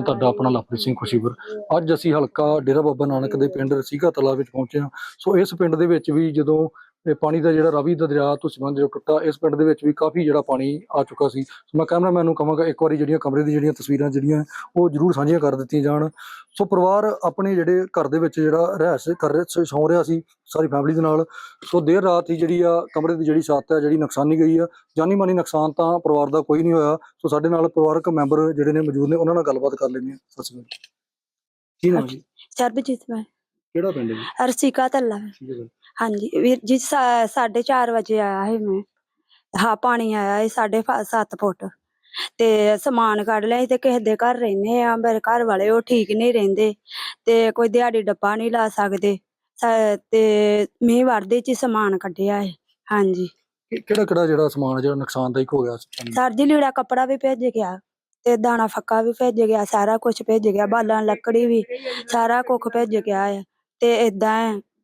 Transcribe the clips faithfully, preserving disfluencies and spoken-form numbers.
ਤੁਹਾਡਾ ਆਪਣਾ ਲਵਪ੍ਰੀਤ ਸਿੰਘ ਖੁਸ਼ੀਪੁਰ। ਅੱਜ ਅਸੀਂ ਹਲਕਾ ਡੇਰਾ ਬਾਬਾ ਨਾਨਕ ਦੇ ਪਿੰਡ ਰਸੀਗਾ ਤਲਾ ਵਿੱਚ ਪਹੁੰਚੇ ਹਾਂ। ਸੋ ਇਸ ਪਿੰਡ ਦੇ ਵਿੱਚ ਵੀ ਜਦੋਂ ਇਹ ਪਾਣੀ ਦਾ ਜਿਹੜਾ ਰਾਵੀ ਦਾ ਦਰਿਆ ਤੋਂ ਸੰਬੰਧ ਜੋ ਟੁੱਟਾ, ਇਸ ਪਿੰਡ ਦੇ ਵਿੱਚ ਵੀ ਕਾਫੀ ਜਿਹੜਾ ਪਾਣੀ ਆ ਚੁੱਕਾ ਸੀ। ਸੋ ਮੈਂ ਕੈਮਰਾਮੈਨ ਨੂੰ ਕਹਾਂਗਾ ਇੱਕ ਵਾਰੀ ਜਿਹੜੀਆਂ ਕਮਰੇ ਦੀ ਜਿਹੜੀਆਂ ਤਸਵੀਰਾਂ ਜਿਹੜੀਆਂ ਉਹ ਜ਼ਰੂਰ ਸਾਂਝੀਆਂ ਕਰ ਦਿੱਤੀਆਂ ਜਾਣ। ਸੋ ਪਰਿਵਾਰ ਆਪਣੇ ਜਿਹੜੇ ਘਰ ਦੇ ਵਿੱਚ ਜਿਹੜਾ ਰਹਿਸ਼ ਕਰ ਰਿਹਾ ਸੌਂ ਰਿਹਾ ਸੀ ਸਾਰੀ ਫੈਮਿਲੀ ਦੇ ਨਾਲ। ਸੋ ਦੇਰ ਰਾਤ ਹੀ ਜਿਹੜੀ ਆ ਕਮਰੇ ਦੀ ਜਿਹੜੀ ਛੱਤ ਹੈ ਜਿਹੜੀ ਨੁਕਸਾਨੀ ਗਈ ਆ। ਜਾਨੀ ਮਾਨੀ ਨੁਕਸਾਨ ਤਾਂ ਪਰਿਵਾਰ ਦਾ ਕੋਈ ਨਹੀਂ ਹੋਇਆ। ਸੋ ਸਾਡੇ ਨਾਲ ਪਰਿਵਾਰਕ ਮੈਂਬਰ ਜਿਹੜੇ ਨੇ ਮੌਜੂਦ ਨੇ, ਉਹਨਾਂ ਨਾਲ ਗੱਲਬਾਤ ਕਰ ਲੈਂਦੇ ਹਾਂ। ਸਤਿ ਸ਼੍ਰੀ ਅਕਾਲ। ਕੀ ਨਾਮ ਜੀ? ਸਰਬਜੀਤ ਮੈਂ ਕਿਹੜਾ ਪਿੰਡ ਜੀ? ਰਸੀਕਾ ਤੱਲਾ। ਠੀਕ ਹੈ ਜੀ। ਹਾਂਜੀ ਵੀਰ ਜੀ, ਸਾ- ਸਾਢੇ ਚਾਰ ਵਜੇ ਆਇਆ ਸੀ ਮੈਂ। ਹਾਂ ਪਾਣੀ ਆਇਆ ਸੀ ਸਾਢੇ ਫ- ਸੱਤ ਫੁੱਟ ਤੇ ਸਮਾਨ ਕੱਢ ਲਿਆ ਸੀ ਤੇ ਕਿਸੇ ਦੇ ਘਰ ਰਹਿੰਦੇ ਆ। ਮੇਰੇ ਘਰ ਵਾਲੇ ਉਹ ਠੀਕ ਨਹੀਂ ਰਹਿੰਦੇ ਤੇ ਕੋਈ ਦਿਹਾੜੀ ਡੱਬਾ ਨਹੀਂ ਲਾ ਸਕਦੇ ਸ- ਤੇ ਮੀਂਹ ਵਰਦੇ ਚ ਹੀ ਸਮਾਨ ਕੱਢਿਆ ਹੈ। ਹਾਂਜੀ ਕਿਹੜਾ ਕਿਹੜਾ ਜਿਹੜਾ ਸਮਾਨ ਜਿਹੜਾ ਨੁਕਸਾਨਦਾਇਕ ਹੋ ਗਿਆ ਸੀ? ਸਰ ਜੀ, ਲੀੜਾ ਕੱਪੜਾ ਵੀ ਭੇਜ ਗਿਆ ਤੇ ਦਾਣਾ ਫੱਕਾ ਵੀ ਭੇਜ ਗਿਆ, ਸਾਰਾ ਕੁਝ ਭੇਜ ਗਿਆ, ਬਾਲਾਂ ਲੱਕੜੀ ਵੀ ਸਾਰਾ ਕੁਝ ਭੇਜ ਗਿਆ ਹੈ। ਤੇ ਏਦਾਂ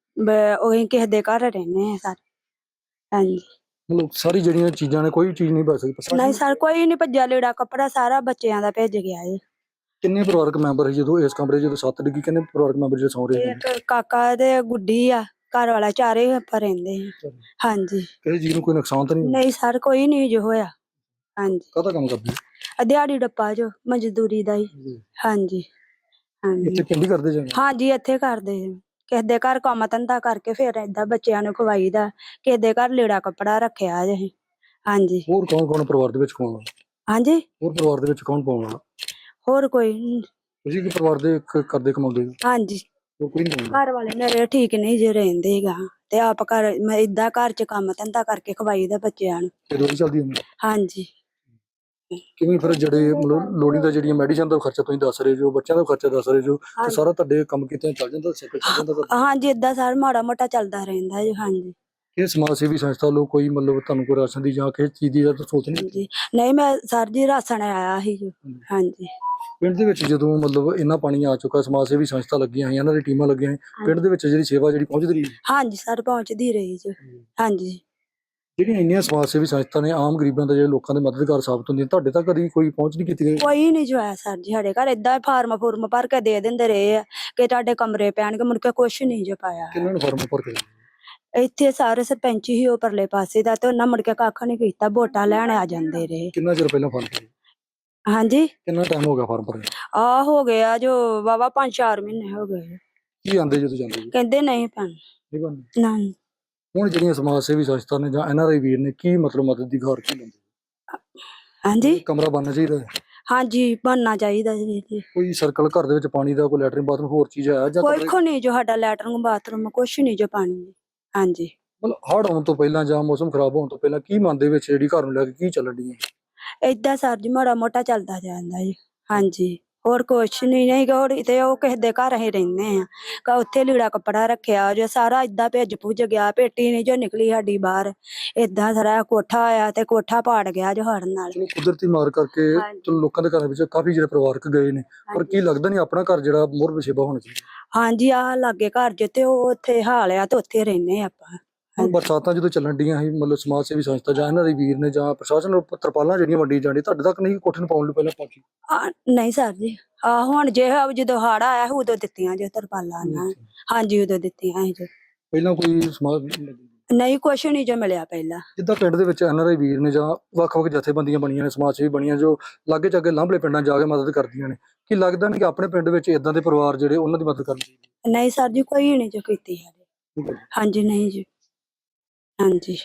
ਉਹੀ ਕਿਸੇ ਦੇ ਘਰ ਰਹਿੰਦੇ ਆ ਸਰ। ਹਾਂਜੀ ਮਤਲਬ ਸਾਰੀ ਜਿਹੜੀਆਂ ਚੀਜ਼ਾਂ ਨੇ ਕੋਈ ਚੀਜ਼ ਨਹੀਂ ਬਚ ਸਕੀ? ਨਹੀਂ ਸਰ, ਕੋਈ ਨਹੀਂ ਭੱਜਿਆ। ਲੀੜਾ ਕੱਪੜਾ ਸਾਰਾ ਬੱਚਿਆਂ ਦਾ ਭੇਜ ਗਿਆ ਹੈ। ਕਿੰਨੇ ਪਰਿਵਾਰਕ ਮੈਂਬਰ ਸੀ ਜਦੋਂ ਇਸ ਕਮਰੇ ਜਦੋਂ ਛੱਤ ਡਿੱਗੀ? ਕਿੰਨੇ ਪਰਿਵਾਰਕ ਮੈਂਬਰ ਜਿਹੜੇ ਸੌਂ ਰਹੇ ਸੀ? ਇੱਕ ਕਾਕਾ ਤੇ ਗੁੱਡੀ ਆ, ਘਰ ਵਾਲਾ, ਚਾਰੇ ਆਪਾਂ ਰਹਿੰਦੇ ਆ। ਹਾਂਜੀ ਕਿਸੇ ਚੀਜ਼ ਨੂੰ ਕੋਈ ਨੁਕਸਾਨ ਤਾਂ ਨਹੀਂ ਹੋਇਆ? ਨਹੀਂ ਸਰ, ਕੋਈ ਨਹੀਂ ਜੋ ਹੋਇਆ। ਹਾਂਜੀ ਕਾਹਦਾ ਕੰਮ ਕਰਦੇ? ਦਿਹਾੜੀ ਡੱਪਾ ਜੋ ਮਜ਼ਦੂਰੀ ਦਾ ਹੀ। ਹਾਂਜੀ ਹਾਂਜੀ ਇੱਥੇ ਪਿੰਡ ਹੀ ਕਰਦੇ ਜਾਂਦੇ? ਹਾਂਜੀ ਇੱਥੇ ਕਰਦੇ ਜੀ। ਕਿਸੇ ਦੇ ਘਰ ਕੰਮ ਧੰਦਾ ਕਰਕੇ ਫਿਰ ਏਦਾਂ ਬੱਚਿਆਂ ਨੂੰ ਖਵਾਈਦਾ। ਕਿਸੇ ਦੇ ਘਰ ਲੀੜਾ ਕੱਪੜਾ ਰੱਖਿਆ ਜੇ। ਹਾਂਜੀ ਹੋਰ ਕੌਣ ਕੌਣ ਪਰਿਵਾਰ ਦੇ ਵਿੱਚ ਕੌਣ? ਹਾਂਜੀ ਹੋਰ ਪਰਿਵਾਰ ਦੇ ਵਿੱਚ ਕੌਣ ਪਾਉਣ ਵਾਲਾ? ਹੋਰ ਕੋਈ ਨੀ। ਤੁਸੀਂ ਕੀ ਪਰਿਵਾਰ ਦੇ ਕ- ਕਰਦੇ ਕਮਾਉਂਦੇ ਹੋ? ਹਾਂਜੀ ਹੋਰ ਕੋਈ ਨਹੀਂ ਪਾਉਂਦਾ? ਘਰ ਵਾਲੇ ਮੇਰੇ ਠੀਕ ਨਹੀਂ ਜੇ ਰਹਿੰਦੇ ਗਾ ਤੇ ਆਪ ਘਰ ਮੈਂ ਏਦਾਂ ਘਰ ਚ ਕੰਮ ਧੰਦਾ ਕਰਕੇ ਖਵਾਈਦਾ ਬੱਚਿਆਂ ਨੂੰ। ਇਹ ਰੋਟੀ ਚੱਲਦੀ ਹੁੰਦੀ? ਹਾਂਜੀ ਕਿਵੇਂ ਫਿਰ ਜਿਹੜੇ ਮਤਲਬ ਲੋੜੀਂਦਾ ਜਿਹੜੀਆਂ ਮੈਡੀਸਨ ਦਾ ਖਰਚਾ ਤੁਸੀਂ ਦੱਸ ਰਹੇ ਜੋ, ਬੱਚਿਆਂ ਦਾ ਖਰਚਾ ਦੱਸ ਰਹੇ ਜੋ, ਤੇ ਸਾਰਾ ਤੁਹਾਡੇ ਕੰਮ ਕੀਤੇ ਚੱਲ ਜਾਂਦਾ ਸਾਈਕਲ ਚੱਲ ਜਾਂਦਾ ਤੁਹਾਡਾ? ਹਾਂਜੀ ਏਦਾਂ ਸਰ ਮਾੜਾ ਮੋਟਾ ਚੱਲਦਾ ਰਹਿੰਦਾ ਜੀ। ਹਾਂਜੀ ਇਹ ਸਮਾਜ ਸੇਵੀ ਸੰਸਥਾ ਵੱਲੋਂ ਕੋਈ ਮਤਲਬ ਤੁਹਾਨੂੰ ਕੋਈ ਰਾਸ਼ਨ ਦੀ ਜਾਂ ਕਿਸੇ ਚੀਜ਼ ਦੀ ਤਾਂ ਸੋਚ ਨਹੀਂ? ਹਾਂਜੀ ਨਹੀਂ, ਮੈਂ ਸਰ ਜੀ ਰਾਸ਼ਨ ਆਇਆ ਸੀ ਜੋ। ਹਾਂਜੀ ਪਿੰਡ ਦੇ ਵਿੱਚ ਜਦੋਂ ਮਤਲਬ ਇੰਨਾ ਪਾਣੀ ਆ ਚੁੱਕਾ, ਸਮਾਜ ਸੇਵੀ ਸੰਸਥਾ ਲੱਗੀਆਂ ਹੋਈਆਂ, ਇਹਨਾਂ ਦੀ ਟੀਮਾਂ ਲੱਗੀਆਂ ਹੋਈਆਂ, ਪਿੰਡ ਦੇ ਵਿੱਚ ਜਿਹੜੀ ਸੇਵਾ ਜਿਹੜੀ ਪਹੁੰਚਦੀ ਰਹੀ? ਹਾਂਜੀ ਸਰ ਪਹੁੰਚਦੀ ਰਹੀ ਜੀ। ਹਾਂਜੀ ਜਿਹੜੀਆਂ ਇੰਨੀਆਂ ਸਮਾਜ ਸੇਵੀ ਸੰਸਥਾ ਨੇ ਆਮ ਗਰੀਬਾਂ ਦਾ ਜਿਹੜੇ ਲੋਕਾਂ ਦੇ ਮਦਦਗਾਰ ਸਾਬਤ ਹੁੰਦੀਆਂ, ਤੁਹਾਡੇ ਤੱਕ ਕਦੀ ਕੋਈ ਪਹੁੰਚ ਨਹੀਂ ਕੀਤੀ ਗਈ? ਕੋਈ ਨਹੀਂ ਜੋ ਆਇਆ ਸਰ ਜੀ ਸਾਡੇ ਘਰ। ਏਦਾਂ ਫਾਰਮ ਫੁਰਮ ਭਰ ਕੇ ਦੇ ਦਿੰਦੇ ਰਹੇ ਆ ਕਿ ਤੁਹਾਡੇ ਕਮਰੇ ਪੈਣਗੇ, ਮੁੜ ਕੇ ਕੁਛ ਨਹੀਂ ਜੋ ਪਾਇਆ। ਕਿੰਨਾਂ ਨੂੰ ਫਾਰਮ ਭਰ ਕੇ? ਇੱਥੇ ਸਾਰੇ ਸਰਪੰਚ ਹੀ ਉਹ ਪਰਲੇ ਪਾਸੇ ਦਾ, ਤੇ ਉਹਨਾਂ ਮੁੜ ਕੇ ਕੱਖ ਨਹੀਂ ਕੀਤਾ। ਵੋਟਾਂ ਲੈਣ ਆ ਜਾਂਦੇ ਰਹੇ। ਕਿੰਨਾ ਚਿਰ ਪਹਿਲਾਂ ਫਾਰਮ ਭਰੇ? ਹਾਂਜੀ ਕਿੰਨਾ ਟਾਈਮ ਹੋ ਗਿਆ ਫਾਰਮ ਭਰੇ? ਆ ਹੋ ਗਿਆ ਜੋ ਵਾਵਾ ਪੰਜ ਚਾਰ ਮਹੀਨੇ ਹੋ ਗਏ। ਕੀ ਆਂਦੇ ਜਦੋਂ ਜਾਂਦੇ ਜੀ? ਕਹਿੰਦੇ ਨਹੀਂ ਪੈਣ ਨਹੀਂ ਬਣਦੇ। ਨਾ। ਹੁਣ ਜਿਹੜੀਆਂ ਸਮਾਜ ਸੇਵੀ ਸੰਸਥਾ ਨੇ ਜਾਂ ਐਨ ਆਰ ਆਈ ਵੀਰ ਨੇ ਕੀ ਮਤਲਬ ਮਦਦ ਦੀ ਗੁਹਾਰ ਕੀ ਲੈਂਦੇ? ਹਾਂਜੀ ਕਮਰਾ ਬਣਨਾ ਚਾਹੀਦਾ ਹੈ? ਹਾਂਜੀ ਬਣਨਾ ਚਾਹੀਦਾ ਜੀ। ਕੋਈ ਸਰਕਲ ਘਰ ਦੇ ਵਿੱਚ ਪਾਣੀ ਦਾ ਕੋਈ ਲੈਟਰਿਨ ਬਾਥਰੂਮ ਹੋਰ ਚੀਜ਼ ਹੈ ਜਾਂ ਕੋਈ ਖੋ ਨਹੀਂ ਜੋ ਸਾਡਾ ਲੈਟਰਿੰਗ ਬਾਥਰੂਮ ਕੁਛ ਨਹੀਂ ਜੋ ਪਾਣੀ। ਹਾਂਜੀ ਮਤਲਬ ਹੜ੍ਹ ਆਉਣ ਤੋਂ ਪਹਿਲਾਂ ਜਾਂ ਮੌਸਮ ਖਰਾਬ ਹੋਣ ਤੋਂ ਪਹਿਲਾਂ ਕੀ ਮਨ ਦੇ ਵਿੱਚ ਜਿਹੜੀ ਘਰ ਨੂੰ ਲੈ ਕੇ ਕੀ ਚੱਲਣ ਦੀ? ਏਦਾਂ ਸਰ ਜੀ ਮਾੜਾ ਮੋਟਾ ਚੱਲਦਾ ਜਾਂਦਾ ਜੀ। ਹਾਂਜੀ ਹੋਰ ਕੁਛ ਨਹੀਂ। ਨਹੀਂ ਹੋਰ ਤੇ ਉਹ ਕਿਸੇ ਦੇ ਘਰ ਅਸੀਂ ਰਹਿੰਦੇ ਆ ਕਾ ਉੱਥੇ ਲੀੜਾ ਕੱਪੜਾ ਰੱਖਿਆ ਜੋ ਸਾਰਾ ਏਦਾਂ ਭਿੱਜ ਭੁੱਜ ਗਿਆ। ਪੇਟੀ ਨਹੀਂ ਜੋ ਨਿਕਲੀ ਸਾਡੀ ਬਾਹਰ। ਏਦਾਂ ਸਾਰਾ ਕੋਠਾ ਆਇਆ ਤੇ ਕੋਠਾ ਪਾੜ ਗਿਆ ਜੋ ਹੜ੍ਹ ਨਾਲ। ਚਲੋ ਕੁਦਰਤੀ ਮਾਰ ਕਰਕੇ ਚਲੋ ਲੋਕਾਂ ਦੇ ਘਰਾਂ ਵਿੱਚ ਕਾਫੀ ਜਿਹੜੇ ਪਰਿਵਾਰਕ ਗਏ ਨੇ, ਪਰ ਕੀ ਲੱਗਦਾ ਨਹੀਂ ਆਪਣਾ ਘਰ ਜਿਹੜਾ ਮੋਰ ਵਸੇਬਾ ਹੋਣਾ ਚਾਹੀਦਾ? ਹਾਂਜੀ ਆਹ ਲਾਗੇ ਘਰ ਜੇ ਤੇ ਉਹ ਉੱਥੇ ਹਾਲ ਆ ਤੇ ਉੱਥੇ ਰਹਿੰਦੇ ਆਪਾਂ। ਹੁਣ ਬਰਸਾਤਾਂ ਜਦੋਂ ਚੱਲਣ ਡੀਆਂ ਸੀ, ਮਤਲਬ ਸਮਾਜ ਸੇਵੀ ਸੰਸਥਾ ਜਾਂ ਇਹਨਾਂ ਦੇ ਵੀਰ ਨੇ ਜਾਂ ਪ੍ਰਸ਼ਾਸਨ ਨੂੰ ਤਰਪਾਲਾਂ ਜਿਹੜੀਆਂ ਵੰਡੀ ਜਾਂਦੀ, ਤੁਹਾਡੇ ਤੱਕ ਨਹੀਂ ਕੋਠੇ ਨੂੰ ਪਾਉਣ ਲਈ ਪਹਿਲਾਂ ਪਹੁੰਚੀ? ਆ ਨਹੀਂ ਸਰ ਜੀ, ਆ ਹੁਣ ਜੇ ਜਦੋਂ ਹੜ੍ਹ ਆਇਆ ਉਦੋਂ ਦਿੱਤੀਆਂ ਜੇ ਤਰਪਾਲਾਂ ਨਾਲ। ਹਾਂਜੀ ਉਦੋਂ ਦਿੱਤੀਆਂ ਸੀ। ਪਹਿਲਾਂ ਕੋਈ ਸਮਾਜ ਨਹੀਂ ਕੁਛ ਨਹੀਂ ਜੋ ਮਿਲਿਆ ਪਹਿਲਾਂ। ਜਿੱਦਾਂ ਪਿੰਡ ਦੇ ਵਿੱਚ ਐਨ ਆਰ ਆਈ ਵੀਰ ਨੇ ਜਾਂ ਵੱਖ-ਵੱਖ ਜਥੇਬੰਦੀਆਂ ਬਣੀਆਂ ਨੇ, ਸਮਾਜ ਸੇਵੀ ਬਣੀਆਂ ਜੋ ਲਾਗੇ ਚਾਗੇ ਲਾਂਭਲੇ ਪਿੰਡਾਂ ਜਾ ਕੇ ਮਦਦ ਕਰਦੀਆਂ ਨੇ, ਕੀ ਲੱਗਦਾ ਨਹੀਂ ਕਿ ਆਪਣੇ ਪਿੰਡ ਵਿੱਚ ਇਦਾਂ ਦੇ ਪਰਿਵਾਰ ਜਿਹੜੇ ਉਹਨਾਂ ਦੀ ਮਦਦ ਕਰਨੀ ਚਾਹੀਦੀ? ਨਹੀਂ ਸਰ ਜੀ ਕੋਈ ਨਹੀਂ ਜੋ ਕੀਤੀ ਸਾਡੇ। ਹਾਂਜੀ ਨਹੀਂ ਜੀ। ਹਾਂਜੀ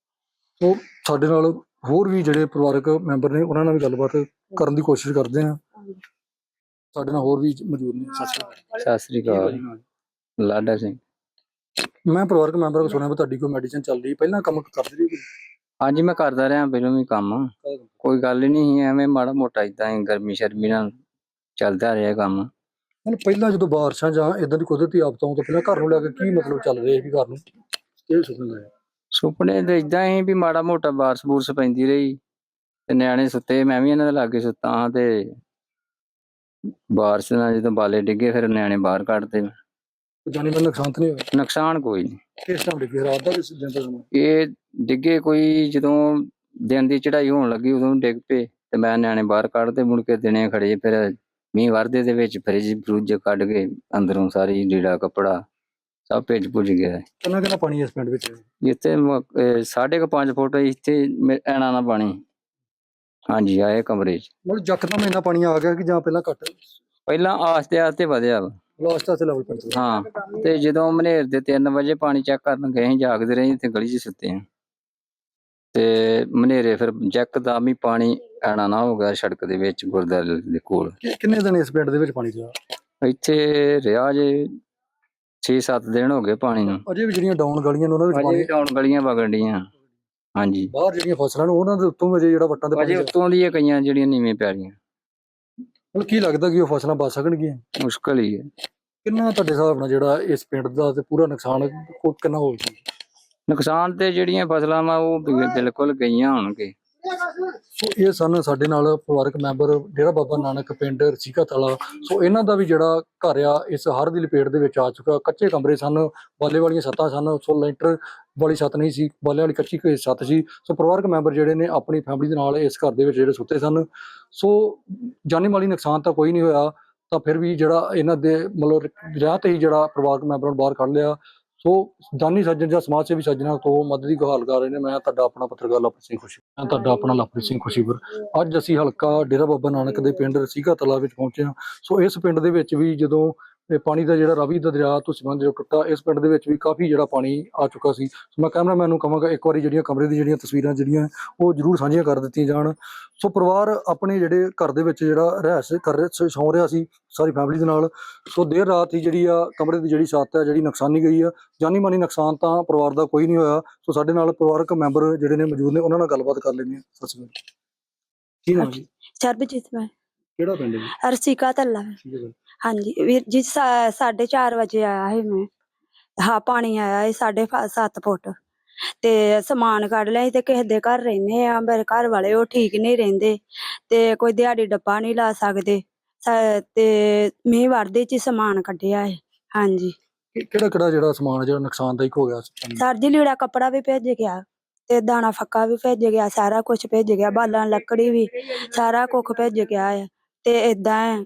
ਸੋ ਸਾਡੇ ਨਾਲ ਹੋਰ ਵੀ ਜਿਹੜੇ ਪਰਿਵਾਰਕ ਮੈਂਬਰ ਨੇ ਉਹਨਾਂ ਨਾਲ ਵੀ ਗੱਲਬਾਤ ਕਰਨ ਦੀ ਕੋਸ਼ਿਸ਼ ਕਰਦੇ ਹਾਂ। ਸਾਡੇ ਨਾਲ ਹੋਰ ਵੀ ਮੌਜੂਦ ਨੇ। ਸਤਿ ਸ਼੍ਰੀ ਅਕਾਲ। ਸਤਿ ਸ੍ਰੀ ਅਕਾਲ। ਲਾਡਾ ਸਿੰਘ। ਮੈਂ ਪਰਿਵਾਰਕ ਮੈਂਬਰ ਕੋਲ ਸੁਣਿਆ ਵੀ ਤੁਹਾਡੀ ਕੋਈ ਮੈਡੀਸਨ ਚੱਲ ਰਹੀ, ਪਹਿਲਾਂ ਕੰਮ ਕਰਦੇ ਰਹੀ? ਹਾਂਜੀ ਮੈਂ ਕਰਦਾ ਰਿਹਾ ਪਹਿਲਾਂ ਵੀ ਕੰਮ, ਕੋਈ ਗੱਲ ਨਹੀਂ ਐਵੇਂ ਮਾੜਾ ਮੋਟਾ ਏਦਾਂ ਹੀ ਗਰਮੀ ਸ਼ਰਮੀ ਨਾਲ ਚੱਲਦਾ ਰਿਹਾ ਕੰਮ। ਹੁਣ ਪਹਿਲਾਂ ਜਦੋਂ ਬਾਰਿਸ਼ਾਂ ਜਾਂ ਇਦਾਂ ਦੀ ਕੁਦਰਤੀ ਆਫਤਾਂ ਤੋਂ ਪਹਿਲਾਂ ਘਰ ਨੂੰ ਲੈ ਕੇ ਕੀ ਮਤਲਬ ਚੱਲ ਰਿਹਾ ਸੀ ਘਰ ਨੂੰ ਇਹ ਸੁਣਨ ਦਾ? ਸੁਪਨੇ ਤੇ ਏਦਾਂ ਹੀ ਵੀ ਮਾੜਾ ਮੋਟਾ ਬਾਰਸ ਬੂਰਸ ਪੈਂਦੀ ਰਹੀ ਤੇ ਨਿਆਣੇ ਸੁੱਤੇ, ਮੈਂ ਵੀ ਇਹਨਾਂ ਦੇ ਲਾਗੇ ਸੁੱਤਾ ਹਾਂ ਤੇ ਬਾਰਿਸ਼ ਨਾਲ ਜਦੋਂ ਬਾਲੇ ਡਿੱਗੇ ਫਿਰ ਨਿਆਣੇ ਬਾਹਰ ਕੱਢਦੇ। ਜਾਨੀ ਮਾਲੀ ਨੁਕਸਾਨ ਤਾਂ ਨਹੀਂ ਹੋਇਆ? ਨੁਕਸਾਨ ਕੋਈ ਨਹੀਂ। ਕਿਸ ਟਾਈਮ ਡਿੱਗੇ? ਰਾਤ ਦਾ ਕਿ ਦਿਨ ਦਾ ਸਮਾਂ? ਇਹ ਡਿੱਗੇ ਕੋਈ ਜਦੋਂ ਦਿਨ ਦੀ ਚੜਾਈ ਹੋਣ ਲੱਗੀ ਉਦੋਂ ਡਿੱਗ ਪਏ ਤੇ ਮੈਂ ਨਿਆਣੇ ਬਾਹਰ ਕੱਢਦੇ, ਮੁੜ ਕੇ ਦਿਨੇ ਖੜੇ ਫਿਰ ਮੀਂਹ ਵਰਦੇ ਦੇ ਵਿੱਚ ਫਰਿੱਜ ਫਰੂਜ ਕੱਢ ਕੇ ਅੰਦਰੋਂ ਸਾਰੀ ਲੀੜਾ ਕੱਪੜਾ ਸਭ ਭਿੱਜ ਭੁੱਜ ਗਿਆ। ਕਿੰਨਾ ਕਿੰਨਾ ਪਾਣੀ ਇਸ ਪਿੰਡ ਵਿੱਚ ਹੈ? ਇੱਥੇ ਮ- ਅਹ ਸਾਢੇ ਕੁ ਪੰਜ ਫੁੱਟ ਇੱਥੇ ਮੇ- ਐਣਾ ਨਾ ਪਾਣੀ ਹਾਂਜੀ ਆਏ ਕਮਰੇ 'ਚ। ਮਤਲਬ ਯਕਦਮ ਇੰਨਾ ਪਾਣੀ ਆ ਗਿਆ ਕਿ ਜਾਂ ਪਹਿਲਾਂ ਘੱਟ ਪਹਿਲਾਂ ਆਸਤੇ ਆਸਤੇ ਵਧਿਆ ਵਾ। ਲਾਸਟ ਆਸੇ ਲੈਵਲ ਪਿੰਡ ਤੋਂ? ਹਾਂ ਤੇ ਜਦੋਂ ਮਨੇਰ ਦੇ ਤਿੰਨ ਵਜੇ ਪਾਣੀ ਚੈੱਕ ਕਰਨ ਗਏ ਅਸੀਂ, ਜਾਗਦੇ ਰਹੇ ਤੇ ਗਲੀ 'ਚ ਸੁੱਤੇ ਆ ਤੇ ਮਨੇਰੇ ਫਿਰ ਯਕਦਮ ਹੀ ਪਾਣੀ ਐਣਾ ਨਾ ਹੋ ਗਿਆ ਸੜਕ ਦੇ ਵਿੱਚ ਗੁਰਦੁਆਰੇ ਦੇ ਕੋਲ। ਕਿ- ਕਿੰਨੇ ਦਿਨ ਇਸ ਪਿੰਡ ਦੇ ਵਿੱਚ ਪਾਣੀ ਰਿਹਾ? ਇੱਥੇ ਰਿਹਾ ਜੇ ਛੇ ਸੱਤ ਦਿਨ ਹੋ ਗਏ ਪਾਣੀ ਨੂੰ। ਅਜੇ ਵੀ ਜਿਹੜੀਆਂ ਡਾਊਨ ਗਲੀਆਂ ਨੇ ਉਹਨਾਂ ਵਿੱਚ ਅਜੇ ਪਾਣੀ? ਵੀ ਡਾਉਣ ਗਲੀਆਂ ਵਗਣ ਡੀਆਂ ਹਾਂਜੀ। ਬਾਹਰ ਜਿਹੜੀਆਂ ਫਸਲਾਂ ਨੇ ਉਹਨਾਂ ਦੇ ਉੱਤੋਂ ਅਜੇ ਜਿਹੜਾ ਵੱਟਾਂ ਦੇ ਅਜੇ ਪਾਣੀ ਉੱਤੋਂ ਦੀਆਂ ਕਈਆਂ ਜਿਹੜੀਆਂ ਨੀਵੇਂ ਪੈ ਰਹੀਆਂ ਮਤਲਬ ਕੀ ਲੱਗਦਾ ਕਿ ਉਹ ਫਸਲਾਂ ਬਚ ਸਕਣਗੀਆਂ? ਮੁਸ਼ਕਲ ਹੀ ਹੈ। ਕਿੰਨਾ ਤੁਹਾਡੇ ਹਿਸਾਬ ਨਾਲ ਜਿਹੜਾ ਇਸ ਪਿੰਡ ਦਾ ਤੇ ਪੂਰਾ ਨੁਕਸਾਨ ਕੋ- ਕਿੰਨਾ ਹੋਊਗਾ? ਨੁਕਸਾਨ ਤੇ ਜਿਹੜੀਆਂ ਫਸਲਾਂ ਵਾ ਉਹ ਬਿ- ਬਿਲਕੁਲ ਗਈਆਂ ਹੋਣਗੇ। ਸੋ ਇਹ ਸਨ ਸਾਡੇ ਨਾਲ ਪਰਿਵਾਰਕ ਮੈਂਬਰ ਡੇਰਾ ਬਾਬਾ ਨਾਨਕ ਪਿੰਡ ਰਸੀਕਾ ਤਲਾ। ਸੋ ਇਹਨਾਂ ਦਾ ਵੀ ਜਿਹੜਾ ਘਰ ਆ ਇਸ ਹੜ੍ਹ ਦੀ ਲਪੇਟ ਦੇ ਵਿੱਚ ਆ ਚੁੱਕਾ। ਕੱਚੇ ਕਮਰੇ ਸਨ, ਬਾਲੇ ਵਾਲੀਆਂ ਛੱਤਾਂ ਸਨ, ਸੋ ਲੈਂਟਰ ਵਾਲੀ ਛੱਤ ਨਹੀਂ ਸੀ, ਬਾਲੇ ਵਾਲੀ ਕੱਚੀ ਕੋਈ ਛੱਤ ਸੀ। ਸੋ ਪਰਿਵਾਰਕ ਮੈਂਬਰ ਜਿਹੜੇ ਨੇ ਆਪਣੀ ਫੈਮਿਲੀ ਦੇ ਨਾਲ ਇਸ ਘਰ ਦੇ ਵਿੱਚ ਜਿਹੜੇ ਸੁੱਤੇ ਸਨ। ਸੋ ਜਾਨੀ ਮਾਲੀ ਨੁਕਸਾਨ ਤਾਂ ਕੋਈ ਨਹੀਂ ਹੋਇਆ, ਤਾਂ ਫਿਰ ਵੀ ਜਿਹੜਾ ਇਹਨਾਂ ਦੇ ਮਤਲਬ ਰਾਹ ਤੇ ਹੀ ਜਿਹੜਾ ਪਰਿਵਾਰਕ ਮੈਂਬਰਾਂ ਨੂੰ ਬਾਹਰ ਕੱਢ ਲਿਆ। ਸੋ ਦਾਨੀ ਸੱਜਣ ਜਾਂ ਸਮਾਜ ਸੇਵੀ ਸੱਜਣਾਂ ਤੋਂ ਮਦਦ ਦੀ ਗੁਹਾਰ ਕਰ ਰਹੇ ਨੇ। ਮੈਂ ਤੁਹਾਡਾ ਆਪਣਾ ਪੱਤਰਕਾਰ ਲਵਪ੍ਰੀਤ ਸਿੰਘ ਖੁਸ਼ੀ ਮੈਂ ਤੁਹਾਡਾ ਆਪਣਾ ਲਵਪ੍ਰੀਤ ਸਿੰਘ ਖੁਸ਼ੀਪੁਰ। ਅੱਜ ਅਸੀਂ ਹਲਕਾ ਡੇਰਾ ਬਾਬਾ ਨਾਨਕ ਦੇ ਪਿੰਡ ਰਸੀਕਾ ਤਲਾ ਵਿੱਚ ਪਹੁੰਚੇ ਹਾਂ। ਸੋ ਇਸ ਪਿੰਡ ਦੇ ਵਿੱਚ ਵੀ ਜਦੋਂ ਇਹ ਪਾਣੀ ਦਾ ਜਿਹੜਾ ਰਾਵੀ ਦਾ ਦਰਿਆ ਤੁਸਮਨ ਜੋ ਟੁੱਟਾ, ਇਸ ਪਿੰਡ ਦੇ ਵਿੱਚ ਵੀ ਕਾਫੀ ਜਿਹੜਾ ਪਾਣੀ ਆ ਚੁੱਕਾ ਸੀ। ਸੋ ਮੈਂ ਕੈਮਰਾਮੈਨ ਨੂੰ ਕਹਾਂਗਾ ਇੱਕ ਵਾਰੀ ਜਿਹੜੀਆਂ ਕਮਰੇ ਦੀ ਜਿਹੜੀਆਂ ਤਸਵੀਰਾਂ ਜਿਹੜੀਆਂ ਉਹ ਜ਼ਰੂਰ ਸਾਂਝੀਆਂ ਕਰ ਦਿੱਤੀਆਂ ਜਾਣ। ਸੋ ਪਰਿਵਾਰ ਆਪਣੇ ਜਿਹੜੇ ਘਰ ਦੇ ਵਿੱਚ ਜਿਹੜਾ ਰਹਿਸ ਕਰ ਰਿਹਾ ਸੌਂ ਰਿਹਾ ਸੀ ਸਾਰੀ ਫੈਮਿਲੀ ਦੇ ਨਾਲ। ਸੋ ਦੇਰ ਰਾਤ ਹੀ ਜਿਹੜੀ ਆ ਕਮਰੇ ਦੀ ਜਿਹੜੀ ਛੱਤ ਹੈ ਜਿਹੜੀ ਨੁਕਸਾਨੀ ਗਈ ਆ। ਜਾਨੀ ਮਾਨੀ ਨੁਕਸਾਨ ਤਾਂ ਪਰਿਵਾਰ ਦਾ ਕੋਈ ਨਹੀਂ ਹੋਇਆ। ਸੋ ਸਾਡੇ ਨਾਲ ਪਰਿਵਾਰਕ ਮੈਂਬਰ ਜਿਹੜੇ ਨੇ ਮੌਜੂਦ ਨੇ, ਉਹਨਾਂ ਨਾਲ ਗੱਲਬਾਤ ਕਰ ਲੈਂਦੇ ਹਾਂ। ਸਤਿ ਸ਼੍ਰੀ ਅਕਾਲ। ਕੀ ਨਾਮ ਜੀ? ਸਰਬਜੀਤ ਮੈਂ ਕਿਹੜਾ ਪਿੰਡ ਹੈ ਜੀ? ਰਸੀਕਾ ਤੱਲਾ। ਠੀਕ ਹੈ ਜੀ। ਹਾਂਜੀ ਵੀਰ ਜੀ, ਸਾ- ਸਾਢੇ ਚਾਰ ਵਜੇ ਆਇਆ ਸੀ ਮੈਂ। ਹਾਂ ਪਾਣੀ ਆਇਆ ਸੀ ਸਾਢੇ ਫ- ਸੱਤ ਫੁੱਟ ਤੇ ਸਮਾਨ ਕੱਢ ਲਿਆ ਸੀ ਤੇ ਕਿਸੇ ਦੇ ਘਰ ਰਹਿੰਦੇ ਆ। ਮੇਰੇ ਘਰ ਵਾਲੇ ਉਹ ਠੀਕ ਨਹੀਂ ਰਹਿੰਦੇ ਤੇ ਕੋਈ ਦਿਹਾੜੀ ਡੱਬਾ ਨਹੀਂ ਲਾ ਸਕਦੇ ਸ- ਤੇ ਮੀਂਹ ਵਰਦੇ ਚ ਹੀ ਸਮਾਨ ਕੱਢਿਆ ਹੈ। ਹਾਂਜੀ ਕਿ- ਕਿਹੜਾ ਕਿਹੜਾ ਜਿਹੜਾ ਸਮਾਨ ਹੈ ਜਿਹੜਾ ਨੁਕਸਾਨਦਾਇਕ ਹੋ ਗਿਆ ਸੀ? ਸਰ ਜੀ, ਲੀੜਾ ਕੱਪੜਾ ਵੀ ਭੇਜ ਗਿਆ ਤੇ ਦਾਣਾ ਫੱਕਾ ਵੀ ਭੇਜ ਗਿਆ, ਸਾਰਾ ਕੁਝ ਭੇਜ ਗਿਆ, ਬਾਲਾਂ ਲੱਕੜੀ ਵੀ ਸਾਰਾ ਕੁਝ ਭੇਜ ਗਿਆ ਹੈ। ਤੇ ਏਦਾਂ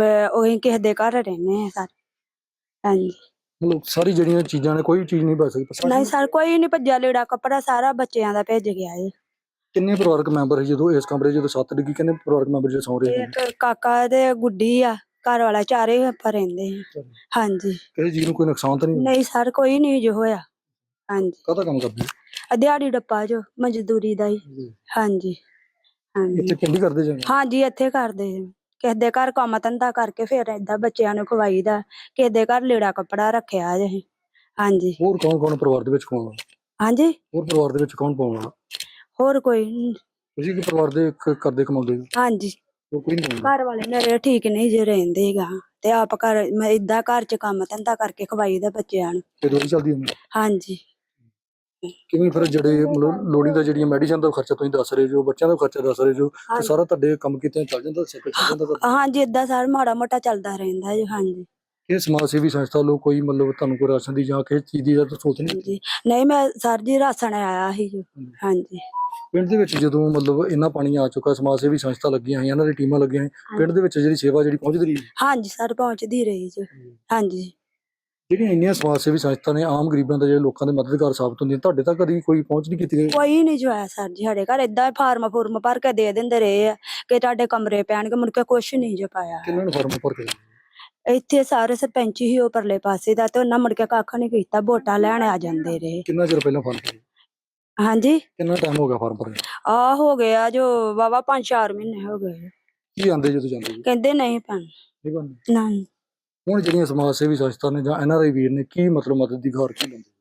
ਉਹੀ ਕਿਸੇ ਦੇ ਘਰ ਰਹਿੰਦੇ ਆ ਸਰ। ਹਾਂਜੀ ਮਤਲਬ ਸਾਰੀ ਜਿਹੜੀਆਂ ਚੀਜ਼ਾਂ ਨੇ ਕੋਈ ਚੀਜ਼ ਨਹੀਂ ਬਚ ਸਕਦੀ? ਨਹੀਂ ਸਰ, ਕੋਈ ਨਹੀਂ ਭੱਜਿਆ। ਲੀੜਾ ਕੱਪੜਾ ਸਾਰਾ ਬੱਚਿਆਂ ਦਾ ਭੇਜ ਗਿਆ ਹੈ। ਕਿੰਨੇ ਪਰਿਵਾਰਕ ਮੈਂਬਰ ਸੀ ਜਦੋਂ ਇਸ ਕਮਰੇ 'ਚ ਜਦੋਂ ਛੱਤ ਡਿੱਗੀ? ਕਿੰਨੇ ਪਰਿਵਾਰਕ ਮੈਂਬਰ ਜਿਹੜੇ ਸੌਂ ਰਹੇ ਸੀ? ਇੱਕ ਕਾਕਾ ਤੇ ਗੁੱਡੀ ਆ, ਘਰ ਵਾਲਾ, ਚਾਰੇ ਆਪਾਂ ਰਹਿੰਦੇ ਆ। ਹਾਂਜੀ ਕਿਸੇ ਚੀਜ਼ ਨੂੰ ਕੋਈ ਨੁਕਸਾਨ ਤਾਂ ਨਹੀਂ ਹੋਇਆ? ਨਹੀਂ ਸਰ, ਕੋਈ ਨਹੀਂ ਜੋ ਹੋਇਆ। ਹਾਂਜੀ ਕਾਹਦਾ ਕੰਮ ਕਰਦੇ? ਆ ਦਿਹਾੜੀ ਡੱਪਾ ਜੋ ਮਜ਼ਦੂਰੀ ਦਾ ਹੀ। ਹਾਂਜੀ ਹਾਂਜੀ ਇੱਥੇ ਪਿੰਡ ਹੀ ਕਰਦੇ ਜਾਂਦੇ? ਹਾਂਜੀ ਇੱਥੇ ਕਰਦੇ ਆ। ਕਿਸੇ ਦੇ ਘਰ ਕੰਮ ਧੰਦਾ ਕਰਕੇ ਫਿਰ ਏਦਾਂ ਬੱਚਿਆਂ ਨੂੰ ਖਵਾਈਦਾ। ਕਿਸੇ ਦੇ ਘਰ ਲੀੜਾ ਕੱਪੜਾ ਰੱਖਿਆ ਜੇ। ਹਾਂਜੀ ਹੋਰ ਕੌਣ ਕੌਣ ਪਰਿਵਾਰ ਦੇ ਵਿੱਚ ਕੌਣ? ਹਾਂਜੀ ਹੋਰ ਪਰਿਵਾਰ ਦੇ ਵਿੱਚ ਕੌਣ ਪਾਉਣਾ? ਹੋਰ ਕੋਈ ਨੀ। ਤੁਸੀਂ ਕਿ ਪਰਿਵਾਰ ਦੇ ਕ- ਕਰਦੇ ਕਮਾਉਂਦੇ ਹੋ? ਹਾਂਜੀ ਹੋਰ ਕੋਈ ਨਹੀਂ ਪਾਉਂਦਾ? ਘਰ ਵਾਲੇ ਮੇਰੇ ਠੀਕ ਨਹੀਂ ਜੇ ਰਹਿੰਦੇ ਗਾ ਤੇ ਆਪ ਘਰ ਮੈਂ ਏਦਾਂ ਘਰ ਚ ਕੰਮ ਧੰਦਾ ਕਰਕੇ ਖਵਾਈਦਾ ਬੱਚਿਆਂ ਨੂੰ। ਇਹ ਦੋਈ ਚੱਲਦੀ ਹੁੰਦੀ? ਹਾਂਜੀ ਕਿਵੇਂ ਫਿਰ ਜਿਹੜੇ ਮਤਲਬ ਲੋੜੀਂਦਾ ਜਿਹੜੀਆਂ ਮੈਡੀਸਨ ਦਾ ਖਰਚਾ ਤੁਸੀਂ ਦੱਸ ਰਹੇ ਜੋ, ਬੱਚਿਆਂ ਦਾ ਖਰਚਾ ਦੱਸ ਰਹੇ ਜੋ, ਤੇ ਹਾਂਜੀ। ਸਾਰਾ ਤੁਹਾਡੇ ਕੰਮ ਕੀਤੇ ਚੱਲ ਜਾਂਦਾ ਸਿੱਕ ਚੱਲ ਜਾਂਦਾ ਤੁਹਾਡਾ? ਹਾਂਜੀ ਏਦਾਂ ਸਾਰ ਮਾੜਾ ਮੋਟਾ ਚੱਲਦਾ ਰਹਿੰਦਾ ਜੀ। ਹਾਂਜੀ ਇਹ ਸਮਾਜ ਸੇਵੀ ਸੰਸਥਾ ਲੋਕ ਕੋਈ ਮਤਲਬ ਤੁਹਾਨੂੰ ਕੋਈ ਰਾਸ਼ਨ ਦੀ ਜਾਂ ਕਿਸੇ ਚੀਜ਼ ਦੀ ਜਾਂ ਸੋਚ ਨਹੀਂ? ਹਾਂਜੀ ਨਹੀਂ, ਮੈਂ ਸਰ ਜੀ ਰਾਸ਼ਨ ਆਇਆ ਸੀ ਜੋ। ਹਾਂਜੀ ਪਿੰਡ ਦੇ ਵਿੱਚ ਜਦੋਂ ਮਤਲਬ ਇੰਨਾ ਪਾਣੀ ਆ ਚੁੱਕਾ, ਸਮਾਜ ਸੇਵੀ ਸੰਸਥਾ ਲੱਗੀਆਂ ਹੋਈਆਂ, ਇਹਨਾਂ ਦੀ ਟੀਮਾਂ ਲੱਗੀਆਂ ਹੋਈਆਂ, ਪਿੰਡ ਦੇ ਵਿੱਚ ਜਿਹੜੀ ਸੇਵਾ ਜਿਹੜੀ ਪਹੁੰਚਦੀ ਰਹੀ? ਹਾਂਜੀ ਸਰ ਪਹੁੰਚਦੀ ਰਹੀ ਜੋ। ਹਾਂਜੀ ਜਿਹੜੀਆਂ ਇੰਨੀਆਂ ਸਮਾਜ ਸੇਵੀ ਸੰਸਥਾ ਨੇ ਆਮ ਗਰੀਬਾਂ ਦਾ ਜਿਹੜੇ ਲੋਕਾਂ ਦੇ ਮਦਦਗਾਰ ਸਾਬਤ ਹੁੰਦੀਆਂ, ਤੁਹਾਡੇ ਤੱਕ ਕਦੀ ਕੋਈ ਪਹੁੰਚ ਨਹੀਂ ਕੀਤੀ ਗਈ? ਕੋਈ ਨਹੀਂ ਜੋ ਆਇਆ ਸਰ ਜੀ ਸਾਡੇ ਘਰ। ਏਦਾਂ ਫਾਰਮ ਫੁਰਮ ਭਰ ਕੇ ਦੇ ਦਿੰਦੇ ਰਹੇ ਆ ਕਿ ਤੁਹਾਡੇ ਕਮਰੇ ਪੈਣਗੇ, ਮੁੜ ਕੇ ਕੁਛ ਨਹੀਂ ਜੋ ਪਾਇਆ। ਕਿੰਨਾਂ ਨੂੰ ਫਾਰਮ ਭਰ ਕੇ ਦਿੱਤੇ? ਇੱਥੇ ਸਾਰੇ ਸਰਪੰਚ ਹੀ ਉਹ ਪਰਲੇ ਪਾਸੇ ਦਾ, ਤੇ ਉਹਨਾਂ ਮੁੜ ਕੇ ਕੱਖ ਨਹੀਂ ਕੀਤਾ, ਵੋਟਾਂ ਲੈਣ ਆ ਜਾਂਦੇ ਰਹੇ। ਕਿੰਨਾ ਚਿਰ ਪਹਿਲਾਂ ਫਾਰਮ ਭਰੇ? ਹਾਂਜੀ ਕਿੰਨਾ ਟਾਈਮ ਹੋ ਗਿਆ ਫਾਰਮ ਭਰੇ? ਆ ਹੋ ਗਿਆ ਜੋ ਵਾਵਾ ਪੰਜ ਚਾਰ ਮਹੀਨੇ ਹੋ ਗਏ। ਕੀ ਆਂਦੇ ਜਦੋਂ ਜਾਂਦੇ ਜੀ? ਕਹਿੰਦੇ ਨਹੀਂ ਪੈਣ ਨਹੀਂ ਬਣਦੇ। ਨਾ। ਹੁਣ ਜਿਹੜੀਆਂ ਸਮਾਜ ਸੇਵੀ ਸੰਸਥਾ ਨੇ ਜਾਂ ਐਨ ਆਰ ਆਈ ਵੀਰ ਨੇ ਕੀ ਮਤਲਬ ਮਦਦ ਦੀ ਗੁਹਾਰ ਕੀ ਲੈਂਦੇ?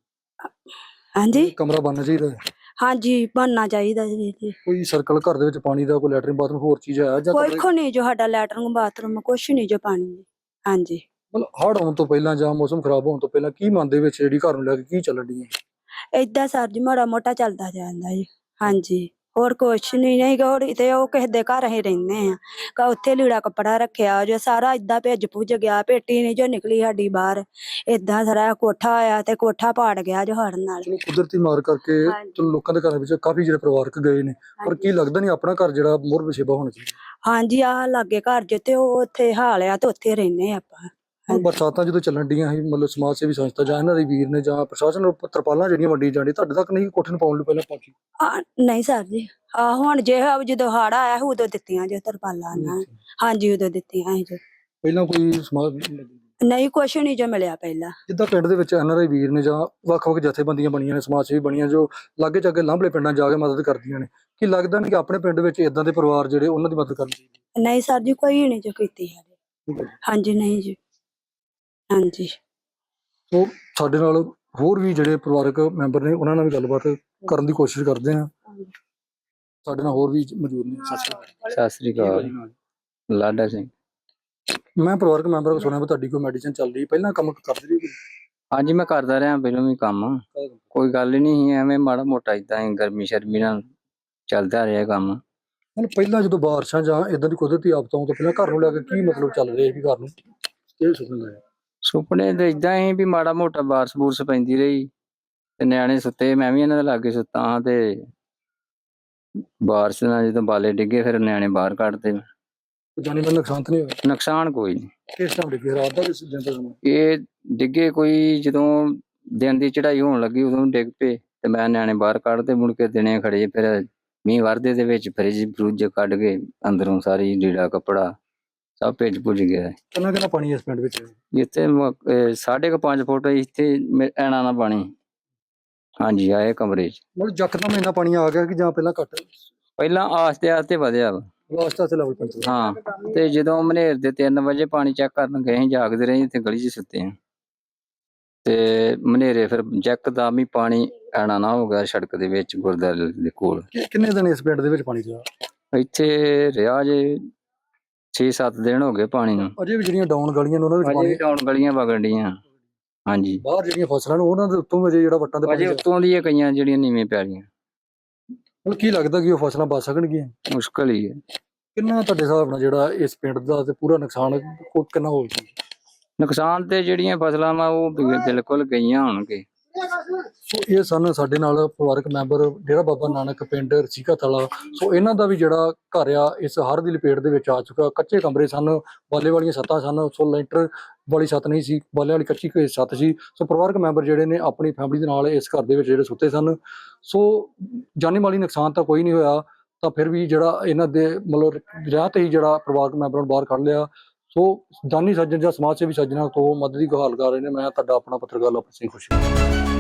ਹਾਂਜੀ ਕਮਰਾ ਬਣਨਾ ਚਾਹੀਦਾ ਹੈ? ਹਾਂਜੀ ਬਣਨਾ ਚਾਹੀਦਾ ਜੀ। ਜੀ ਕੋਈ ਸਰਕਲ ਘਰ ਦੇ ਵਿੱਚ ਪਾਣੀ ਦਾ ਕੋਈ ਲੈਟਰਿਨ ਬਾਥਰੂਮ ਹੋਰ ਚੀਜ਼ ਹੈ ਜਾਂ ਕੋਈ ਤੁਹਾਡੇ- ਖੋ ਨਹੀਂ ਜੋ ਸਾਡਾ ਲੈਟਰਿੰਗ ਬਾਥਰੂਮ ਕੁਛ ਨਹੀਂ ਜੋ ਪਾਣੀ। ਹਾਂਜੀ ਮਤਲਬ ਹੜ੍ਹ ਆਉਣ ਤੋਂ ਪਹਿਲਾਂ ਜਾਂ ਮੌਸਮ ਖਰਾਬ ਹੋਣ ਤੋਂ ਪਹਿਲਾਂ ਕੀ ਮਨ ਦੇ ਵਿੱਚ ਜਿਹੜੀ ਘਰ ਨੂੰ ਲੈ ਕੇ ਕੀ ਚੱਲਣ ਦੀ ਹੈ? ਏਦਾਂ ਸਰ ਜੀ ਮਾੜਾ ਮੋਟਾ ਚੱਲਦਾ ਜਾਂਦਾ ਜੀ। ਹਾਂਜੀ ਹੋਰ ਕੁਛ ਨਹੀਂ ਨਹੀਂ ਹੋਰ ਤੇ ਉਹ ਕਿਸੇ ਦੇ ਘਰ ਅਸੀਂ ਰਹਿੰਦੇ ਆ ਕਾ ਉੱਥੇ ਲੀੜਾ ਕੱਪੜਾ ਰੱਖਿਆ ਜੋ ਸਾਰਾ ਏਦਾਂ ਭਿੱਜ ਭੁੱਜ ਗਿਆ, ਪੇਟੀ ਨਹੀਂ ਜੋ ਨਿਕਲੀ ਸਾਡੀ ਬਾਹਰ, ਏਦਾਂ ਸਾਰਾ ਕੋਠਾ ਆਇਆ ਤੇ ਕੋਠਾ ਪਾੜ ਗਿਆ ਜੋ ਹੜ੍ਹ ਨਾਲ। ਚਲੋ ਕੁਦਰਤੀ ਮਾਰ ਕਰਕੇ ਹਾਂਜੀ। ਚਲੋ ਲੋਕਾਂ ਦੇ ਘਰਾਂ ਵਿੱਚ ਕਾਫੀ ਜਿਹੜੇ ਪਰਿਵਾਰਕ ਗਏ ਨੇ, ਪਰ ਕੀ ਲੱਗਦਾ ਨਹੀਂ ਆਪਣਾ ਘਰ ਜਿਹੜਾ ਮੋਰ ਵਛੇਬਾ ਹੋਣਾ ਚਾਹੀਦਾ? ਹਾਂਜੀ ਆਹ ਲਾਗੇ ਘਰ ਜੇ ਤੇ ਉਹ ਉੱਥੇ ਹਾਲ ਆ ਤੇ ਉੱਥੇ ਰਹਿੰਦੇ ਆਪਾਂ। ਹੁਣ ਬਰਸਾਤਾਂ ਜਦੋਂ ਚੱਲਣ ਡੀਆਂ ਸੀ, ਮਤਲਬ ਸਮਾਜ ਸੇਵੀ ਸੰਸਥਾ ਜਾਂ ਇਹਨਾਂ ਦੇ ਵੀਰ ਨੇ ਜਾਂ ਪ੍ਰਸ਼ਾਸਨ ਨੂੰ ਤਰਪਾਲਾਂ ਜਿਹੜੀਆਂ ਵੰਡੀ ਜਾਂਦੀ, ਤੁਹਾਡੇ ਤੱਕ ਨਹੀਂ ਕੋਠੇ ਨੂੰ ਪਾਉਣ ਲਈ ਪਹਿਲਾਂ ਪਹੁੰਚੀ? ਆ, ਨਹੀਂ ਸਰ ਜੀ ਆ ਹੁਣ ਜੇ ਜਦੋਂ ਹੜ੍ਹ ਆਇਆ ਸੀ ਉਦੋਂ ਦਿੱਤੀਆਂ ਜੋ ਤਰਪਾਲਾਂ ਨਾਲ। ਹਾਂਜੀ ਉਦੋਂ ਦਿੱਤੀਆਂ ਸੀ ਜੋ। ਪਹਿਲਾਂ ਕੋਈ ਸਮਾਜ ਨਹੀਂ ਕੁਛ ਨਹੀਂ ਜੋ ਮਿਲਿਆ ਪਹਿਲਾਂ। ਜਿੱਦਾਂ ਪਿੰਡ ਦੇ ਵਿੱਚ ਐਨ ਆਰ ਆਈ ਵੀਰ ਨੇ ਜਾਂ ਵੱਖ-ਵੱਖ ਜਥੇਬੰਦੀਆਂ ਬਣੀਆਂ ਨੇ, ਸਮਾਜ ਸੇਵੀ ਬਣੀਆਂ ਜੋ ਲਾਗੇ ਚਾਗੇ ਲਾਂਭਲੇ ਪਿੰਡਾਂ ਜਾ ਕੇ ਮਦਦ ਕਰਦੀਆਂ ਨੇ, ਕੀ ਲੱਗਦਾ ਨਹੀਂ ਕਿ ਆਪਣੇ ਪਿੰਡ ਵਿੱਚ ਇਦਾਂ ਦੇ ਪਰਿਵਾਰ ਜਿਹੜੇ ਉਹਨਾਂ ਦੀ ਮਦਦ ਕਰਨੀ ਚਾਹੀਦੀ? ਨਹੀਂ ਸਰ ਜੀ ਕੋਈ ਨਹੀਂ ਜੋ ਕੀਤੀ ਹੈ। ਠੀਕ ਹੈ ਜੀ। ਹਾਂਜੀ ਨਹੀਂ ਜੀ। ਹਾਂਜੀ ਸੋ ਸਾਡੇ ਨਾਲ ਹੋਰ ਵੀ ਜਿਹੜੇ ਪਰਿਵਾਰਕ ਮੈਂਬਰ ਨੇ ਉਹਨਾਂ ਨਾਲ ਵੀ ਗੱਲਬਾਤ ਕਰਨ ਦੀ ਕੋਸ਼ਿਸ਼ ਕਰਦੇ ਹਾਂ। ਸਾਡੇ ਨਾਲ ਹੋਰ ਵੀ ਮੌਜੂਦ ਨੇ। ਸਤਿ ਸ਼੍ਰੀ ਅਕਾਲ। ਸਤਿ ਸ੍ਰੀ ਅਕਾਲ। ਲਾਡਾ ਸਿੰਘ। ਮੈਂ ਪਰਿਵਾਰਕ ਮੈਂਬਰ ਕੋਲ ਸੁਣਿਆ ਵੀ ਤੁਹਾਡੀ ਕੋਈ ਮੈਡੀਸਨ ਚੱਲ ਰਹੀ, ਪਹਿਲਾਂ ਕੰਮ ਕਰਦੇ ਰਹੀ? ਹਾਂਜੀ ਮੈਂ ਕਰਦਾ ਰਿਹਾ ਪਹਿਲਾਂ ਵੀ ਕੰਮ, ਕੋਈ ਗੱਲ ਹੀ ਨਹੀਂ ਸੀ, ਐਵੇਂ ਮਾੜਾ ਮੋਟਾ ਏਦਾਂ ਹੀ ਗਰਮੀ ਸ਼ਰਮੀ ਨਾਲ ਚੱਲਦਾ ਰਿਹਾ ਕੰਮ। ਹੁਣ ਪਹਿਲਾਂ ਜਦੋਂ ਬਾਰਿਸ਼ਾਂ ਜਾਂ ਇਦਾਂ ਦੀ ਕੁਦਰਤੀ ਆਫਤਾਂ ਤੋਂ ਪਹਿਲਾਂ ਘਰ ਨੂੰ ਲੈ ਕੇ ਕੀ ਮਤਲਬ ਚੱਲ ਰਿਹਾ ਸੀ ਘਰ ਨੂੰ ਇਹ ਸੁਣਨ ਦਾ? ਸੁਪਨੇ ਤੇ ਏਦਾਂ ਹੀ ਵੀ ਮਾੜਾ ਮੋਟਾ ਬਾਰਸ ਬੂਰਸ ਪੈਂਦੀ ਰਹੀ ਤੇ ਨਿਆਣੇ ਸੁੱਤੇ, ਮੈਂ ਵੀ ਇਹਨਾਂ ਦੇ ਲਾਗੇ ਸੁੱਤਾ ਹਾਂ ਤੇ ਬਾਰਿਸ਼ ਨਾਲ ਜਦੋਂ ਬਾਲੇ ਡਿੱਗੇ ਫਿਰ ਨਿਆਣੇ ਬਾਹਰ ਕੱਢਦੇ। ਜਾਨੀ ਮਾਲ ਨੁਕਸਾਨ ਤਾਂ ਨਹੀਂ ਹੋਇਆ? ਨੁਕਸਾਨ ਕੋਈ ਨਹੀਂ। ਕਿਸ ਟਾਈਮ ਡਿੱਗੇ? ਰਾਤ ਦਾ ਕਿਸ ਦਿਨ ਦਾ ਸਮਾਂ? ਇਹ ਡਿੱਗੇ ਕੋਈ ਜਦੋਂ ਦਿਨ ਦੀ ਚੜਾਈ ਹੋਣ ਲੱਗੀ ਉਦੋਂ ਡਿੱਗ ਪਏ ਤੇ ਮੈਂ ਨਿਆਣੇ ਬਾਹਰ ਕੱਢਦੇ, ਮੁੜ ਕੇ ਦਿਨੇ ਖੜੇ ਫਿਰ ਮੀਂਹ ਵਰਦੇ ਦੇ ਵਿੱਚ ਫਰਿੱਜ ਫਰੂਜ ਕੱਢ ਕੇ ਅੰਦਰੋਂ ਸਾਰੀ ਲੀੜਾ ਕੱਪੜਾ ਸਭ ਭਿੱਜ ਭੁੱਜ ਗਿਆ। ਕਿੰਨਾ ਕਿੰਨਾ ਪਾਣੀ ਇਸ ਪਿੰਡ ਵਿੱਚ? ਇੱਥੇ ਮ- ਅਹ ਸਾਢੇ ਕੁ ਪੰਜ ਫੁੱਟ ਇੱਥੇ ਮੇ- ਐਣਾ ਨਾ ਪਾਣੀ ਹਾਂਜੀ ਆਏ ਕਮਰੇ 'ਚ। ਮਤਲਬ ਯਕਦਮ ਇੰਨਾ ਪਾਣੀ ਆ ਗਿਆ ਕਿ ਜਾਂ ਪਹਿਲਾਂ ਘੱਟ? ਪਹਿਲਾਂ ਆਸਤੇ ਆਸਤੇ ਵਧਿਆ ਵਾ। ਲਾਸਟ ਤੇ ਲੈਵਲ ਪੰਜ? ਹਾਂ ਤੇ ਜਦੋਂ ਮਨੇਰ ਦੇ ਤਿੰਨ ਵਜੇ ਪਾਣੀ ਚੈੱਕ ਕਰਨ ਗਏ ਸੀ, ਜਾਗਦੇ ਰਹੇ ਤੇ ਗਲੀ 'ਚ ਸੁੱਤੇ ਆ ਤੇ ਮਨੇਰੇ ਫਿਰ ਯਕਦਮ ਹੀ ਪਾਣੀ ਐਣਾ ਨਾ ਹੋ ਗਿਆ ਸੜਕ ਦੇ ਵਿੱਚ ਗੁਰਦੁਆਰੇ ਦੇ ਕੋਲ। ਕਿ- ਕਿੰਨੇ ਦਿਨ ਇਸ ਪਿੰਡ ਦੇ ਵਿੱਚ ਪਾਣੀ ਰਿਹਾ? ਇੱਥੇ ਰਿਹਾ ਜੇ ਛੇ ਸੱਤ ਦਿਨ ਹੋ ਗਏ ਪਾਣੀ ਨੂੰ। ਅਜੇ ਵੀ ਜਿਹੜੀਆਂ ਡਾਊਨ ਗਲੀਆਂ ਨੇ ਉਹਨਾਂ ਵਿੱਚ ਅਜੇ ਪਾਣੀ? ਵੀ ਟਾਉਣ ਗਲੀਆਂ ਵਗਣ ਡੀਆਂ। ਹਾਂਜੀ ਬਾਹਰ ਜਿਹੜੀਆਂ ਫਸਲਾਂ ਨੇ ਉਹਨਾਂ ਦੇ ਉੱਤੋਂ ਅਜੇ ਜਿਹੜਾ ਵੱਟਾਂ ਦੇ ਅਜੇ ਪਾਣੀ? ਉੱਤੋਂ ਦੀ ਕਈਆਂ ਜਿਹੜੀਆਂ ਨੀਵੇਂ ਪੈ ਰਹੀਆਂ। ਹੁਣ ਕੀ ਲੱਗਦਾ ਕਿ ਉਹ ਫਸਲਾਂ ਬਚ ਸਕਣਗੀਆਂ? ਮੁਸ਼ਕਲ ਹੀ ਹੈ। ਕਿੰਨਾ ਤੁਹਾਡੇ ਹਿਸਾਬ ਨਾਲ ਜਿਹੜਾ ਇਸ ਪਿੰਡ ਦਾ ਤੇ ਪੂਰਾ ਨੁਕਸਾਨ ਕੋ- ਕਿੰਨਾ ਹੋਊਗਾ? ਨੁਕਸਾਨ ਤੇ ਜਿਹੜੀਆਂ ਫਸਲਾਂ ਵਾ ਉਹ ਬਿ- ਬਿਲਕੁਲ ਗਈਆਂ ਹੋਣਗੇ। ਸੋ ਇਹ ਸਨ ਸਾਡੇ ਨਾਲ ਪਰਿਵਾਰਕ ਮੈਂਬਰ ਡੇਰਾ ਬਾਬਾ ਨਾਨਕ ਪਿੰਡ ਰਸੀਕਾ ਤਲਾ। ਸੋ ਇਹਨਾਂ ਦਾ ਵੀ ਜਿਹੜਾ ਘਰ ਆ ਇਸ ਹੜ੍ਹ ਦੀ ਲਪੇਟ ਦੇ ਵਿੱਚ ਆ ਚੁੱਕਾ। ਕੱਚੇ ਕਮਰੇ ਸਨ, ਬਾਲੇ ਵਾਲੀਆਂ ਛੱਤਾਂ ਸਨ, ਸੋ ਲੈਂਟਰ ਵਾਲੀ ਛੱਤ ਨਹੀਂ ਸੀ, ਬਾਲੇ ਵਾਲੀ ਕੱਚੀ ਕੁ ਛੱਤ ਸੀ। ਸੋ ਪਰਿਵਾਰਕ ਮੈਂਬਰ ਜਿਹੜੇ ਨੇ ਆਪਣੀ ਫੈਮਿਲੀ ਦੇ ਨਾਲ ਇਸ ਘਰ ਦੇ ਵਿੱਚ ਜਿਹੜੇ ਸੁੱਤੇ ਸਨ। ਸੋ ਜਾਨੀ ਮਾਲੀ ਨੁਕਸਾਨ ਤਾਂ ਕੋਈ ਨਹੀਂ ਹੋਇਆ, ਤਾਂ ਫਿਰ ਵੀ ਜਿਹੜਾ ਇਹਨਾਂ ਦੇ ਮਤਲਬ ਰਾਹ ਤੇ ਹੀ ਜਿਹੜਾ ਪਰਿਵਾਰਕ ਮੈਂਬਰਾਂ ਨੂੰ ਬਾਹਰ ਕੱਢ ਲਿਆ। ਸੋ ਦਾਨੀ ਸੱਜਣ ਜਾਂ ਸਮਾਜ ਸੇਵੀ ਸੱਜਣਾਂ ਤੋਂ ਮਦਦ ਦੀ ਗੁਹਾਰ ਕਰ ਰਹੇ ਨੇ। ਮੈਂ ਤੁਹਾਡਾ ਆਪਣਾ ਪੱਤਰਕਾਰ ਲਵਪ੍ਰੀਤ ਸਿੰਘ ਖੁਸ਼ੀ।